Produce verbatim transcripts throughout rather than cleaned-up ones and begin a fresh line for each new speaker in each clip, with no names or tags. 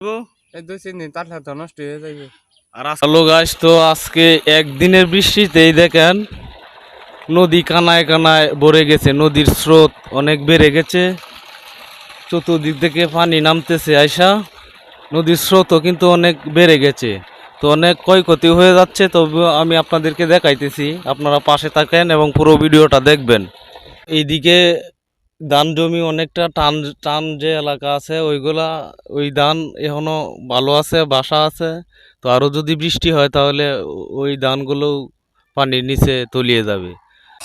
Hello guys, তো আজকে একদিনের বৃষ্টিতেই দেখেন নদী কানায় কানায় ভরে গেছে। নদীর স্রোত অনেক বেড়ে গেছে, চতুর্দিক থেকে পানি নামতেছে আইসা। নদীর স্রোতও কিন্তু অনেক বেড়ে গেছে, তো অনেক ক্ষয়ক্ষতি হয়ে যাচ্ছে। তবে আমি আপনাদেরকে দেখাইতেছি, আপনারা পাশে থাকেন এবং পুরো ভিডিওটা দেখবেন। এইদিকে ধান জমি অনেকটা টান টান যে এলাকা আছে ওইগুলা, ওই ধান এখনো ভালো আছে, বাসা আছে। তো আরো যদি বৃষ্টি হয় তাহলে ওই ধানগুলো পানির নিচে তলিয়ে যাবে।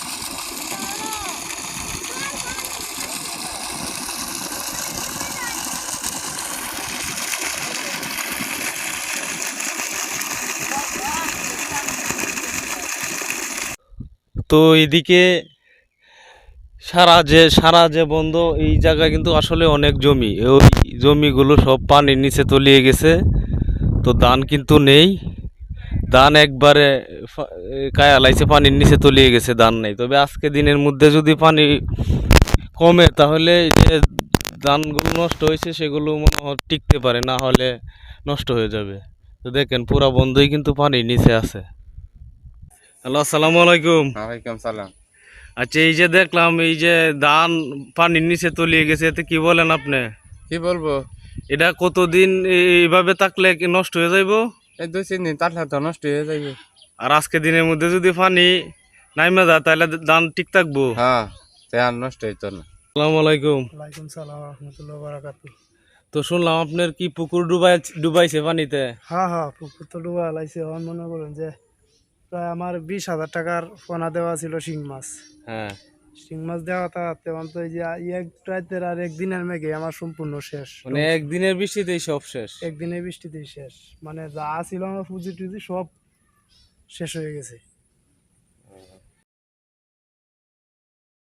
তো এদিকে সারা যে সারা যে বন্ধ, এই জায়গায় কিন্তু আসলে অনেক জমি, ওই জমিগুলো সব পানির নিচে তলিয়ে গেছে। তো ধান কিন্তু নেই, ধান একবারে কায়া লাইছে, পানির নিচে তলিয়ে গেছে, ধান নেই। তবে আজকে দিনের মধ্যে যদি পানি কমে তাহলে যে ধানগুলো নষ্ট হয়েছে সেগুলো মনে হয় টিকতে পারে, না হলে নষ্ট হয়ে যাবে। তো দেখেন পুরা বন্ধই কিন্তু পানির নিচে আছে। হ্যালো, আসসালামু আলাইকুম।
ওয়ালাইকুম সালাম।
আচ্ছা, এই যে দেখলাম এই যে ধান পানির নিচে তলিয়ে গেছে, এতে কি বলেন আপনি?
কি বলবো,
এটা কতদিন এইভাবে থাকলে কি নষ্ট হয়ে যাইব?
এই দুই তিন দিন তাহলে তো নষ্ট হয়ে যাবে।
আর আজকে দিনের মধ্যে যদি পানি নাইমা যায় তাহলে ধান ঠিক থাকবো?
হ্যাঁ, তে আর নষ্ট হইতো না।
আসসালামু আলাইকুম।
ওয়ালাইকুম সালাম রহমতুল্লাহ বারাকাতু।
তো শুনলাম আপনার কি পুকুর ডুবাই ডুবাইছে পানিতে?
হ্যাঁ হ্যাঁ, পুকুর তো ডুবা লাইছে। আমার মনে করেন যে প্রায় আমার বিশ হাজার টাকার পোনা দেওয়া ছিল শিং মাছ।
হ্যাঁ,
শিং মাছ দেওয়া তা তেমন তো এই যে এক রাতের আর একদিনের মেঘে আমার সম্পূর্ণ শেষ।
মানে একদিনের বৃষ্টিতেই সব শেষ?
একদিনের বৃষ্টিতেই শেষ, মানে যা ছিল আমার পুঁজি টুজি সব শেষ হয়ে গেছে।